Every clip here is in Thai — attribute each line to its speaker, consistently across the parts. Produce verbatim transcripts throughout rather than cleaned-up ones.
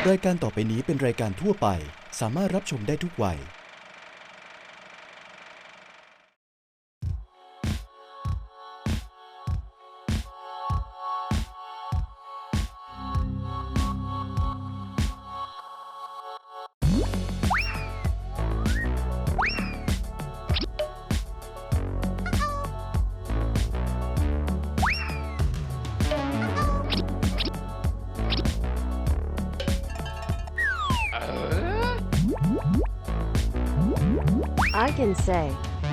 Speaker 1: รายการต่อไปนี้เป็นรายการทั่วไปสามารถรับชมได้ทุกวัย
Speaker 2: I can say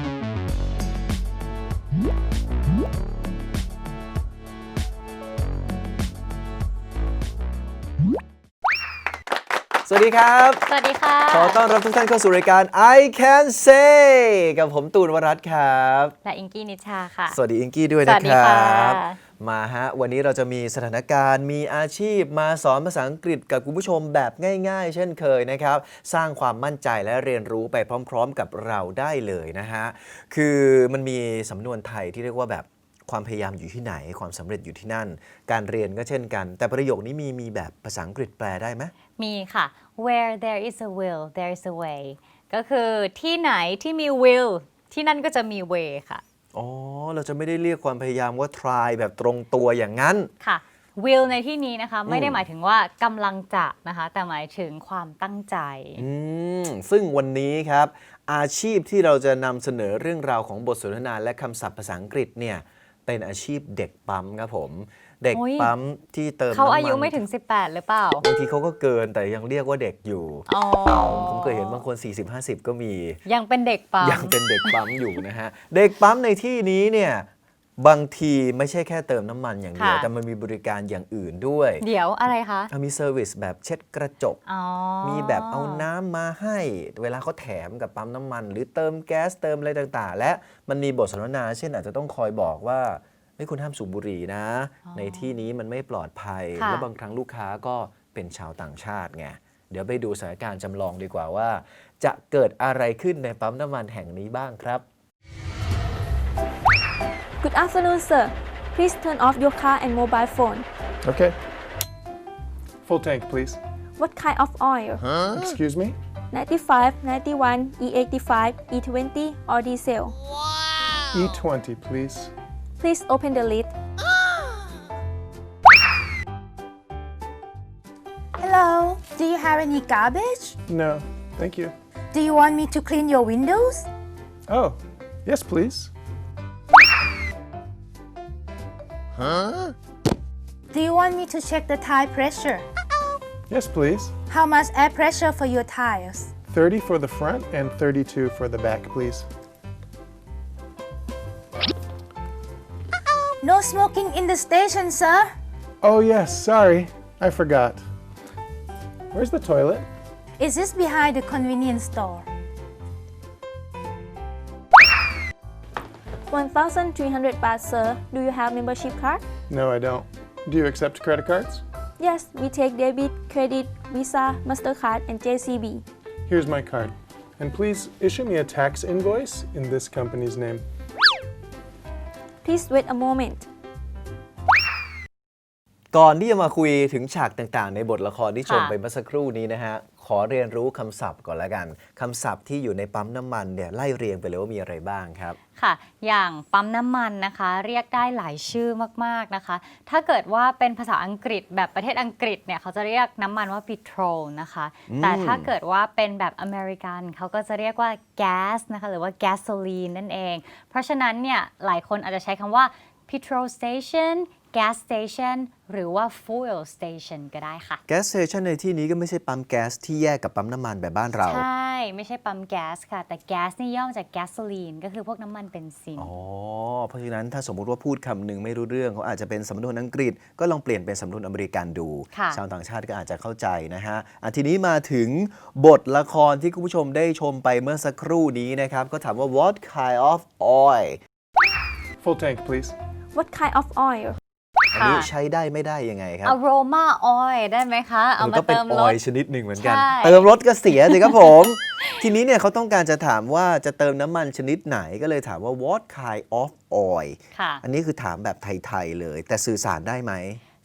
Speaker 3: สวัสดีครับ
Speaker 4: สวัสดีค่ะ
Speaker 3: ขอต้อนรับทุกท่านเข้าสู่รายการ I Can Say กับผมตูนวรัตน์ครับ
Speaker 4: และอิงกี้นิชาค่ะ
Speaker 3: สวัสดีอิงกี้ด้วย
Speaker 4: ส
Speaker 3: นะ
Speaker 4: วัสดี
Speaker 3: ครั
Speaker 4: ค่ะ
Speaker 3: บ มาฮะ วันนี้เราจะมีสถานการณ์มีอาชีพมาสอนภาษาอังกฤษกับคุณผู้ชมแบบง่ายๆ เช่นเคยนะครับ สร้างความมั่นใจและเรียนรู้ไปพร้อมๆ กับเราได้เลยนะฮะ คือมันมีสำนวนไทยที่เรียกว่าแบบความพยายามอยู่ที่ไหนความสำเร็จอยู่ที่นั่น การเรียนก็เช่นกัน แต่ประโยคนี้มีมีแบบภาษาอังกฤษแปลได้ไหม
Speaker 4: มีค่ะ where there is a will there is a way ก็คือที่ไหนที่มี will ที่นั่นก็จะมี way ค่ะ
Speaker 3: อ๋อ เราจะไม่ได้เรียกความพยายามว่า try แบบตรงตัวอย่างนั้น
Speaker 4: ค่ะ will ในที่นี้นะคะไม่ได้หมายถึงว่ากำลังจะนะคะแต่หมายถึงความตั้งใจ
Speaker 3: อืม ซึ่งวันนี้ครับ อาชีพที่เราจะนำเสนอเรื่องราวของบทสนทนาและคำศัพท์ภาษาอังกฤษเนี่ยเป็นอาชีพเด็กปั๊มครับผม เด็ก
Speaker 4: โอ้ย
Speaker 3: ปั๊มที่เติมน้ำ
Speaker 4: เขา
Speaker 3: มัน
Speaker 4: อายุไม่ถึง สิบแปด หรือเปล่า
Speaker 3: บางทีเขาก็เกินแต่ยังเรียกว่าเด็กอยู่
Speaker 4: อ๋อ
Speaker 3: ผมเคยเห็นบางคน สี่สิบห้าสิบ ก็มี
Speaker 4: ยังเป็นเด็กปั๊ม
Speaker 3: ยังเป็นเด็กปั๊มอยู่นะฮะ เด็กปั๊มในที่นี้เนี่ยบางทีไม่ใช่แค่เติมน้ำมันอย่างเดียว
Speaker 4: ค่ะ
Speaker 3: แต่มันมีบริการอย่างอื่นด้วย
Speaker 4: เดี๋ยวอะไรคะ
Speaker 3: อ่ะมีเซอร์วิสแบบเช็ดกระจก
Speaker 4: อ๋อ
Speaker 3: มีแบบเอาน้ำมาให้เวลาเขาแถมกับปั๊มน้ำมัน หรือเติมแก๊สเติมอะไรต่างๆ และมันมีบทสนทนาเช่นอาจจะต้องคอยบอกว่าไม่คุณห้ามสูบบุหรี่นะ ในที่นี้มันไม่ปลอดภัย
Speaker 4: ค่ะ
Speaker 3: แล้วบางครั้งลูกค้าก็เป็นชาวต่างชาติไงเดี๋ยวไปดูสถานการณ์จำลองดีกว่าว่า จะเกิดอะไรขึ้นในปั๊มน้ำมันแห่งนี้บ้างครับ
Speaker 5: Good afternoon, sir. Please turn off your car and mobile phone.
Speaker 6: Okay. Full tank, please.
Speaker 5: What kind of oil?
Speaker 6: Excuse me?
Speaker 5: ninety-five, ninety-one, E eighty-five, E twenty, or diesel?
Speaker 6: E twenty, please.
Speaker 5: Please open the lid.
Speaker 7: Hello, do you have any garbage?
Speaker 6: No, thank you.
Speaker 7: Do you want me to clean your windows?
Speaker 6: Oh, yes, please.
Speaker 7: Do you want me to check the tire pressure?
Speaker 6: Yes, please.
Speaker 7: How much air pressure for your tires?
Speaker 6: thirty for the front and thirty-two for the back, please.
Speaker 7: No smoking in the station, sir.
Speaker 6: Oh, yes, sorry. I forgot. Where's the toilet?
Speaker 7: Is this behind the convenience store?
Speaker 5: one thousand three hundred baht, sir. Do you have membership card?
Speaker 6: No, I don't. Do you accept credit cards?
Speaker 5: Yes, we take debit, credit, Visa, MasterCard, and J C B.
Speaker 6: Here's my card. And please issue me a tax invoice in this company's name.
Speaker 5: Please wait a moment.
Speaker 3: ก่อนที่จะมาคุยถึงฉากต่างๆ ในบทละครที่ชม
Speaker 4: ค่ะ
Speaker 3: ไปเมื่อสักครู่นี้นะฮะ ขอเรียนรู้คำศัพท์ก่อนละกันคำศัพท์ที่อยู่ในปั๊มน้ำมันเนี่ยไล่เรียงไปเลยว่ามีอะไรบ้างครับ
Speaker 4: ค่ะ อย่างปั๊มน้ำมันนะคะ เรียกได้หลายชื่อมากๆนะคะ ถ้าเกิดว่าเป็นภาษาอังกฤษแบบประเทศอังกฤษเนี่ยเขาจะเรียกน้ำมันว่า petrol นะคะ แต่ถ้าเกิดว่าเป็นแบบอเมริกันเขาก็จะเรียกว่า gas นะคะ หรือว่า gasoline นั่นเอง เพราะฉะนั้นเนี่ยหลายคนอาจจะใช้คำว่า petrol station gas station หรือว่า fuel station ก็ได้ค่ะ
Speaker 3: แก๊สสเตชันในที่นี้ก็ไม่ใช่ปั๊มแก๊สที่แยกกับปั๊มน้ำมันแบบบ้านเรา
Speaker 4: ใช่ ไม่ใช่ปั๊มแก๊สค่ะ แต่แก๊สนี่ย่อมาจาก gasoline ก็คือพวกน้ำมันเบนซิน
Speaker 3: อ๋อ เพราะฉะนั้นถ้าสมมุติว่าพูดคำหนึ่งไม่รู้เรื่องเขาอาจจะเป็นสำนวนอังกฤษ ก็ลองเปลี่ยนเป็นสำนวนอเมริกันดู
Speaker 4: ค่ะ
Speaker 3: ชาวต่างชาติก็อาจจะเข้าใจนะฮะอ่ะทีนี้มาถึงบทละครที่คุณผู้ชมได้ชมไปเมื่อสักครู่นี้นะครับ ก็ถามว่า what kind of oil
Speaker 6: Full tank, please.
Speaker 5: What kind of oil?
Speaker 3: อันนี้ใช้ได้ไม่ได้ยังไงครับ
Speaker 4: aroma oil ได้ไหมคะ เอา
Speaker 3: มัน
Speaker 4: มา
Speaker 3: ก็เป็น
Speaker 4: เติม
Speaker 3: อ
Speaker 4: ร
Speaker 3: อ
Speaker 4: ส
Speaker 3: ยล์ชนิดหนึ่งเหมือนกัน
Speaker 4: ใช่
Speaker 3: เติมรถก็เสียสิครับผม ทีนี้เนี่ยเขาต้องการจะถามว่าจะเติมน้ำมันชนิดไหนก็เลยถามว่า what kind of oil
Speaker 4: ค่ะ
Speaker 3: อันนี้คือถามแบบไทย ๆ เลย แต่สื่อสารได้ไหม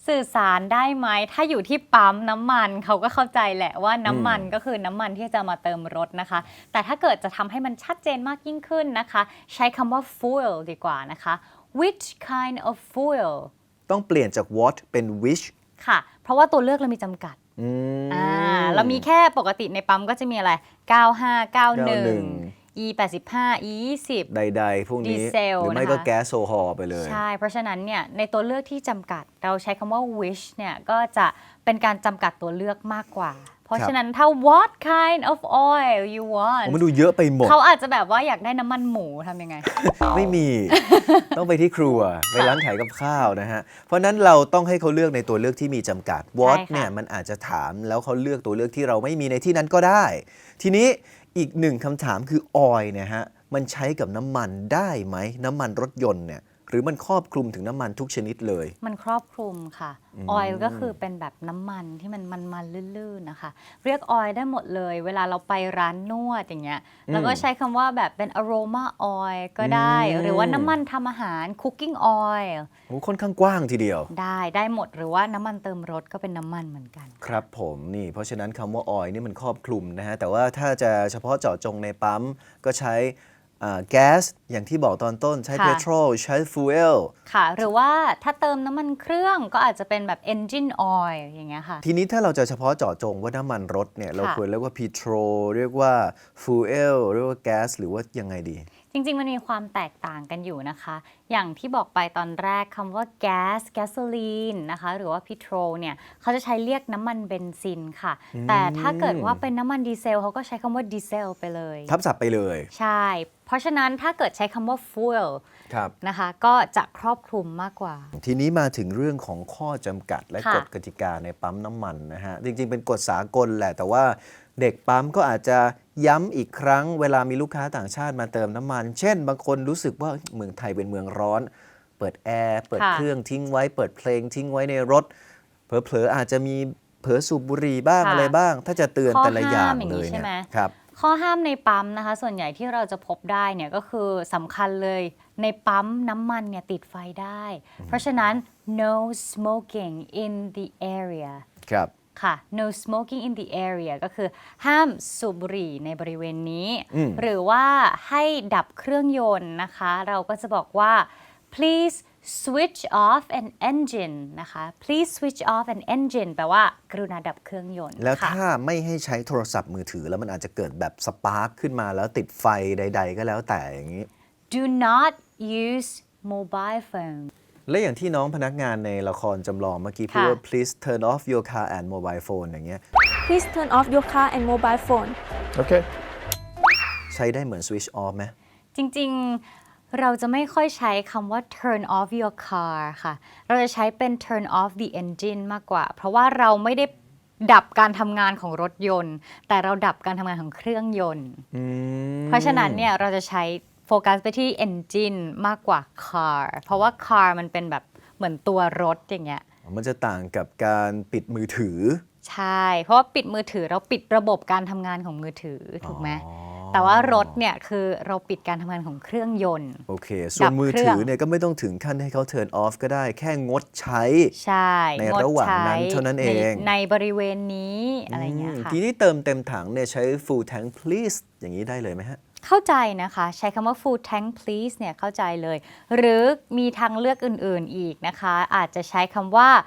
Speaker 4: สื่อสารได้ไหมถ้าอยู่ที่ปั๊มน้ำมันเขาก็เข้าใจแหละว่าน้ำมันก็คือน้ำมันที่จะมาเติมรถนะคะแต่ถ้าเกิดจะทำให้มันชัดเจนมากยิ่งขึ้นนะคะใช้คำว่า fuel ดีกว่านะคะ which kind of fuel
Speaker 3: ต้องเปลี่ยนจาก what เป็น which
Speaker 4: ค่ะเพราะว่าตัวเลือกเรามีจำกัด
Speaker 3: อืม
Speaker 4: อ่าเรามีแค่ปกติในปั๊มก็จะมีอะไร เก้าห้า เก้าหนึ่ง อี แปดสิบห้า อี ยี่สิบ
Speaker 3: ใดๆพวกนี้
Speaker 4: ดีเซล
Speaker 3: หรือไม่
Speaker 4: นะคะ
Speaker 3: ก็แก๊สโซฮอล์ไปเลย
Speaker 4: ใช่ เพราะฉะนั้นเนี่ยในตัวเลือกที่จำกัดเราใช้คำว่า wish เนี่ยก็จะเป็นการจำกัดตัวเลือกมากกว่า เพราะฉะนั้นถ้า what kind of oil you want
Speaker 3: มันดูเยอะไปหมด
Speaker 4: เขาอาจจะแบบว่าอยากได้น้ำมันหมูทำยังไง
Speaker 3: ไม่มี ต้องไปที่ครัว ไปร้านขายกับข้าวนะฮะ เพราะนั้นเราต้องให้เขาเลือกในตัวเลือกที่มีจำกัด what
Speaker 4: ใช่ค่ะ
Speaker 3: เนี่ยมันอาจจะถามแล้วเขาเลือกตัวเลือกที่เราไม่มีในที่นั้นก็ได้ ทีนี้อีกหนึ่งคำถามคือ oil เนี่ยฮะมันใช้กับน้ำมันได้ไหมน้ำมันรถยนต์เนี่ยหรือมันครอบคลุมถึงน้ำมันทุกชนิดเลย
Speaker 4: มันครอบคลุมค่ะ ออยล์ก็คือเป็นแบบน้ำมันที่มันมันมันลื่นๆนะคะ เรียกออยล์ได้หมดเลย เวลาเราไปร้านนวดอย่างเงี้ยแล้วก็ใช้คำว่าแบบเป็น aroma oil ก็ได้
Speaker 3: อืม
Speaker 4: หรือว่าน้ำมันทำอาหาร cooking oil
Speaker 3: โอ้ค่อนข้างกว้างทีเดียว
Speaker 4: ได้ได้หมดหรือว่าน้ำมันเติมรถก็เป็นน้ำมันเหมือนกัน
Speaker 3: ครับผมนี่เพราะฉะนั้นคำว่า oil นี่มันครอบคลุมนะฮะแต่ว่าถ้าจะเฉพาะเจาะจงในปั๊มก็ใช้แก๊สอย่างที่บอกตอนต้นใช้
Speaker 4: ค่ะ
Speaker 3: petrol ใช้ fuel
Speaker 4: ค่ะ หรือว่าถ้าเติมน้ำมันเครื่องก็อาจจะเป็นแบบ engine oil อย่างเงี้ยค่ะ
Speaker 3: ทีนี้ถ้าเราจะเฉพาะเจาะจงว่าน้ำมันรถเนี่ยเรา
Speaker 4: ค่ะ
Speaker 3: ควรเรียกว่า petrol เรียกว่า fuel เรียกว่าแก๊สหรือว่ายังไงดี
Speaker 4: จริงๆ มันมีความแตกต่างกันอยู่นะคะ อย่างที่บอกไปตอนแรกคำว่าแก๊ส gasoline นะคะ หรือว่า petrol เนี่ยเขาจะใช้เรียกน้ำมันเบนซินค่ะ แต่ถ้าเกิดว่าเป็นน้ำมันดีเซลเขาก็ใช้คำว่าดีเซลไปเลย
Speaker 3: ทับศัพท์ไปเลย
Speaker 4: ใช่ เพราะฉะนั้นถ้าเกิดใช้คำว่า fuel
Speaker 3: ครับ
Speaker 4: นะคะ ก็จะครอบคลุมมากกว่า
Speaker 3: ทีนี้มาถึงเรื่องของข้อจำกัดและ
Speaker 4: ค่ะ
Speaker 3: กฎกติกาในปั๊มน้ำมันนะฮะ จริงๆ เป็นกฎสากลแหละ แต่ว่าเด็กปั๊มก็อาจจะย้ำอีกครั้งเวลามีลูกค้าต่างชาติมาเติมน้ำมัน เช่น บางคนรู้สึกว่าเมืองไทยเป็นเมืองร้อน เปิดแอร์ เปิด
Speaker 4: ค่ะ
Speaker 3: เครื่องทิ้งไว้ เปิดเพลงทิ้งไว้ในรถ เผลอๆอาจจะมีเผลอสูบบุหรี่บ้าง
Speaker 4: ค่ะ
Speaker 3: อะไรบ้าง ถ้าจะเตือน
Speaker 4: ข้อ
Speaker 3: แต่ละอย่าง
Speaker 4: ห้ามอย่าง
Speaker 3: เล
Speaker 4: นี้
Speaker 3: ย
Speaker 4: ใช่
Speaker 3: เนี่ย
Speaker 4: ไหม
Speaker 3: ครับ
Speaker 4: ข้อห้ามในปั๊มนะคะ ส่วนใหญ่ที่เราจะพบได้เนี่ยก็คือสำคัญเลยในปั๊มน้ำมันเนี่ยติดไฟได้ เพราะฉะนั้น no smoking in the area
Speaker 3: ครับ
Speaker 4: ค่ะ no smoking in the area ก็คือห้ามสูบบุหรี่ในบริเวณนี้
Speaker 3: อืม
Speaker 4: หรือว่าให้ดับเครื่องยนต์นะคะ เราก็จะบอกว่า please switch off an engine นะคะ please switch off an engine แปลว่ากรุณาดับเครื่องยนต์
Speaker 3: แล้ว
Speaker 4: ค่ะ
Speaker 3: ถ้าไม่ให้ใช้โทรศัพท์มือถือแล้วมันอาจจะเกิดแบบสปาร์คขึ้นมาแล้วติดไฟใด ๆ ก็แล้วแต่อย่างนี้
Speaker 4: do not use mobile phone
Speaker 3: และอย่างที่น้องพนักงานในละครจำลองเมื่อกี้พูด
Speaker 4: ค่ะ
Speaker 3: ว่า please turn off your car and mobile phone อย่างเงี้ย
Speaker 5: Please turn off your car and mobile phone.
Speaker 6: Okay.
Speaker 3: ใช้ได้เหมือน switch off ไหม
Speaker 4: จริงๆ เราจะไม่ค่อยใช้คำว่า turn off your car ค่ะ เราจะใช้เป็น turn off the engine มากกว่า เพราะว่าเราไม่ได้ดับการทำงานของรถยนต์ แต่เราดับการทำงานของเครื่องยนต์ เพราะฉะนั้นเนี่ยเราจะใช้โฟกัสไปที่ engine มากกว่า car เพราะว่า car มันเป็นแบบเหมือนตัวรถอย่างเงี้ย
Speaker 3: มันจะต่างกับการปิดมือถือ
Speaker 4: ใช่ เพราะว่าปิดมือถือเราปิดระบบการทำงานของมือถือถูกไหม
Speaker 3: อ๋อ
Speaker 4: แต่ว่ารถเนี่ยคือเราปิดการทำงานของเครื่องยนต์
Speaker 3: โอเค ส่วนมือ
Speaker 4: ดับเครื่
Speaker 3: ถื
Speaker 4: อง
Speaker 3: อเนี่ยก็ไม่ต้องถึงขั้นให้เขา turn off ก็ได้ แค่งดใช้
Speaker 4: ใช่
Speaker 3: ใน
Speaker 4: งด
Speaker 3: ระหว่าง
Speaker 4: ใช้
Speaker 3: นั้นเท่านั้นเอง
Speaker 4: ในในบริเวณนี้อะไรเงี้ย
Speaker 3: อืม
Speaker 4: ค่ะ
Speaker 3: ทีนี้เติมเต็มถังเนี่ยใช้ full tank please อย่างนี้ได้เลยไหมฮะ
Speaker 4: เข้าใจนะคะ ใช้คำว่า full tank please เนี่ยเข้าใจเลย หรือมีทางเลือกอื่นๆอีกนะคะ อาจจะใช้คำว่า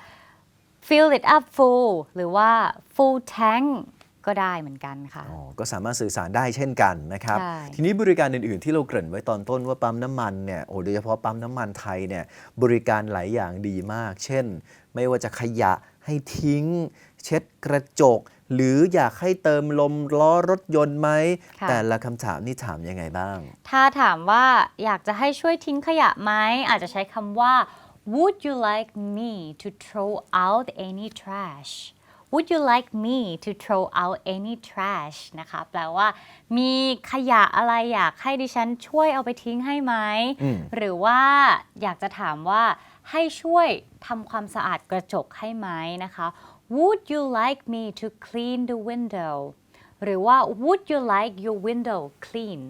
Speaker 4: fill it up full หรือว่า full tank ก็ได้เหมือนกันค่ะ
Speaker 3: อ๋อ ก็สามารถสื่อสารได้เช่นกันนะครับ
Speaker 4: ใช่
Speaker 3: ทีนี้บริการอื่น ๆ ที่เราเกริ่นไว้ตอนต้นว่าปั๊มน้ำมันเนี่ย โอ้โดยเฉพาะปั๊มน้ำมันไทยเนี่ย บริการหลายอย่างดีมาก เช่น ไม่ว่าจะขยะให้ทิ้ง เช็ดกระจก หรืออยากให้เติมลมล้อรถยนต์ไหม
Speaker 4: ค่ะ
Speaker 3: แต่ละคำถามนี่ถามยังไงบ้าง
Speaker 4: ถ้าถามว่าอยากจะให้ช่วยทิ้งขยะไหม อาจจะใช้คำว่า would you like me to throw out any trash would you like me to throw out any trash นะคะ แปลว่า มีขยะอะไรอยากให้ดิฉันช่วยเอาไปทิ้งให้ไหม
Speaker 3: อืม
Speaker 4: หรือว่าอยากจะถามว่าให้ช่วยทำความสะอาดกระจกให้ไหมนะคะ would you like me to clean the window หรือว่า would you like your window clean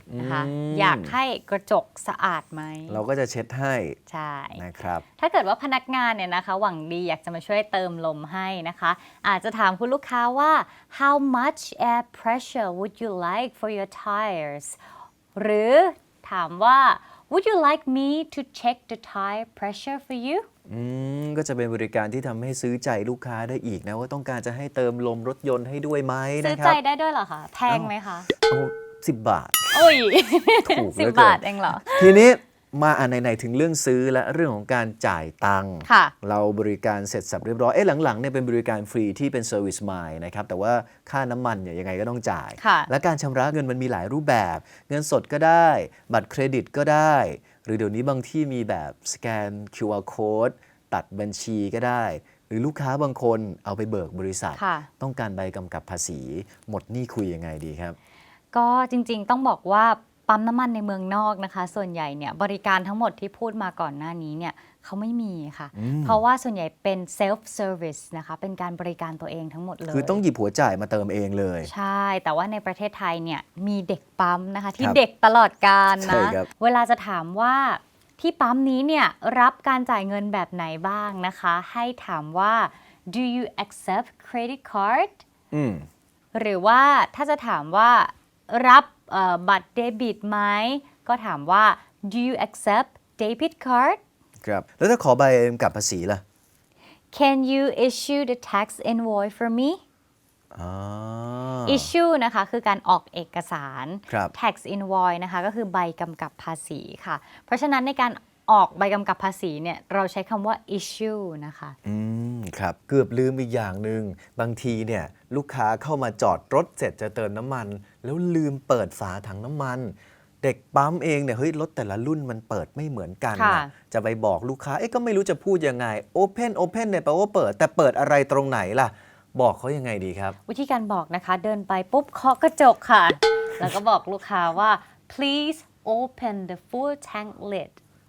Speaker 4: นะคะ
Speaker 3: อืม
Speaker 4: อยากให้กระจกสะอาดไหม
Speaker 3: เราก็จะเช็ดให้
Speaker 4: ใช่
Speaker 3: นะครับ
Speaker 4: ถ้าเกิดว่าพนักงานเนี่ยนะคะหวังดีอยากจะมาช่วยเติมลมให้นะคะ อาจจะถามคุณลูกค้าว่า how much air pressure would you like for your tires หรือถามว่า would you like me to check the tire pressure for you
Speaker 3: อืมก็จะเป็นบริการที่ทำให้ซื้อใจลูกค้าได้อีกนะว่าต้องการจะให้เติมลมรถยนต์ให้ด้วยไหม
Speaker 4: ซื้อ
Speaker 3: นะค
Speaker 4: ใจ
Speaker 3: รับ
Speaker 4: ได้ด้วยเหรอคะแพงไหมคะ
Speaker 3: เอาสิบบาท
Speaker 4: โอ้ย
Speaker 3: ถูกเหลื
Speaker 4: สิบ
Speaker 3: อเกิน
Speaker 4: บาทเองเหรอ
Speaker 3: ทีนี้มาอันไหนๆถึงเรื่องซื้อและเรื่องของการจ่ายตังค์
Speaker 4: ค่ะ
Speaker 3: เราบริการเสร็จสับเรียบร้อยเอ๊ะหลังๆเนี่ยเป็นบริการฟรีที่เป็น Service Mile นะครับแต่ว่าค่าน้ำมันเนี่ยยังไงก็ต้องจ่าย
Speaker 4: ค่ะ
Speaker 3: และการชำระเงินมันมีหลายรูปแบบ เงินสดก็ได้ บัตรเครดิตก็ได้ หรือเดี๋ยวนี้บางที่มีแบบสแกน คิว อาร์ Code ตัดบัญชีก็ได้ หรือลูกค้าบางคนเอาไปเบิกบริษัท
Speaker 4: ค่ะ
Speaker 3: ต้องการใบกำกับภาษี หมดหนี้คุยยังไงดีครับ
Speaker 4: ก็จริงๆต้องบอกว่าปั๊มน้ำมันในเมืองนอกนะคะ ส่วนใหญ่เนี่ยบริการทั้งหมดที่พูดมาก่อนหน้านี้เนี่ยเขาไม่มีค่ะ เพราะว่าส่วนใหญ่เป็น self service นะคะเป็นการบริการตัวเองทั้งหมดเลย
Speaker 3: คือต้องหยิบหัวจ่ายมาเติมเองเลย
Speaker 4: ใช่ แต่ว่าในประเทศไทยเนี่ยมีเด็กปั๊มนะคะ ที่
Speaker 3: ครับ
Speaker 4: เด็กตลอดกาล
Speaker 3: ใช่
Speaker 4: นะ
Speaker 3: ครับ
Speaker 4: เวลาจะถามว่าที่ปั๊มนี้เนี่ยรับการจ่ายเงินแบบไหนบ้างนะคะ ให้ถามว่า do you accept credit card
Speaker 3: อืม
Speaker 4: หรือว่าถ้าจะถามว่ารับเอ่อบัตรเดบิตไหมก็ถามว่า do you accept debit card
Speaker 3: ครับ แล้วถ้าขอใบกำกับภาษีล่ะ
Speaker 4: can you issue the tax invoice for me
Speaker 3: อ๋อ
Speaker 4: issue นะคะคือการออกเอกสาร
Speaker 3: ครับ
Speaker 4: tax invoice นะคะก็คือใบกำกับภาษีค่ะ เพราะฉะนั้นในการออกใบกำกับภาษีเนี่ยเราใช้คำว่า issue นะคะ
Speaker 3: อืมครับ เกือบลืมอีกอย่างหนึ่งบางทีเนี่ยลูกค้าเข้ามาจอดรถเสร็จจะเติมน้ำมัน แล้วลืมเปิดฝาถังน้ำมัน เด็กปั๊มเองเนี่ยเฮ้ยรถแต่ละรุ่นมันเปิดไม่เหมือนกัน
Speaker 4: ค่ะ
Speaker 3: นะจะไปบอกลูกค้าเอ๊ะก็ไม่รู้จะพูดยังไง Open Open เนี่ยแปลว่าเปิดแต่เปิดอะไรตรงไหนล่ะ บอกเขายังไงดีครับ
Speaker 4: วิธีการบอกนะคะเดินไปปุ๊บเคาะกระจกค่ะ แล้วก็บอกลูกค้าว่า please open the full tank lid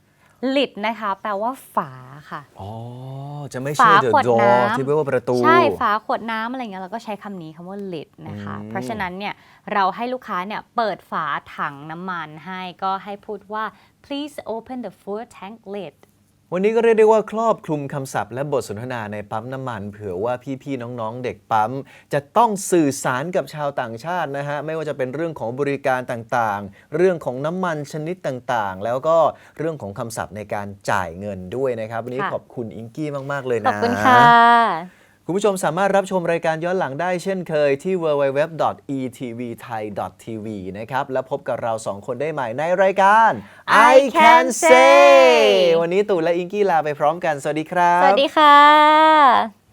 Speaker 4: lid นะคะแปลว่าฝาค่ะ
Speaker 3: อ๋อ จะไม่
Speaker 4: ฝา
Speaker 3: ใช่ the
Speaker 4: ขวด
Speaker 3: door
Speaker 4: น้ำ
Speaker 3: ที่แปลว่าประตู
Speaker 4: ใช่ฝาขวดน้ำอะไรเงี้ยเราก็ใช้คำนี้คำว่า lid นะคะ
Speaker 3: อืม
Speaker 4: เพราะฉะนั้นเนี่ยเราให้ลูกค้าเนี่ยเปิดฝาถังน้ำมันให้ก็ให้พูดว่า please open the full tank lid
Speaker 3: วันนี้ก็เรียกได้ว่าครอบคลุมคำศัพท์และบทสนทนาในปั๊มน้ำมันเผื่อว่าพี่ๆน้องๆเด็กปั๊มจะต้องสื่อสารกับชาวต่างชาตินะฮะไม่ว่าจะเป็นเรื่องของบริการต่างๆ เรื่องของน้ำมันชนิดต่างๆ แล้วก็เรื่องของคำศัพท์ในการจ่ายเงินด้วยนะครับวันนี้
Speaker 4: ค่ะ
Speaker 3: ขอบคุณอิงกี้มากๆเลย
Speaker 4: ขอ
Speaker 3: นะ
Speaker 4: บคุณค่ะ
Speaker 3: คุณผู้ชมสามารถรับชมรายการย้อนหลังได้เช่นเคยที่ ดับเบิลยู ดับเบิลยู ดับเบิลยู ดอท อี ที วี ไทย ดอท ที วี นะครับ แล้วพบกับเราสองคนได้ใหม่ในรายการ
Speaker 4: I Can Say
Speaker 3: วันนี้ตู่และอิงกี้ลาไปพร้อมกัน สวัสดีครับ
Speaker 4: สวัสดีค่ะ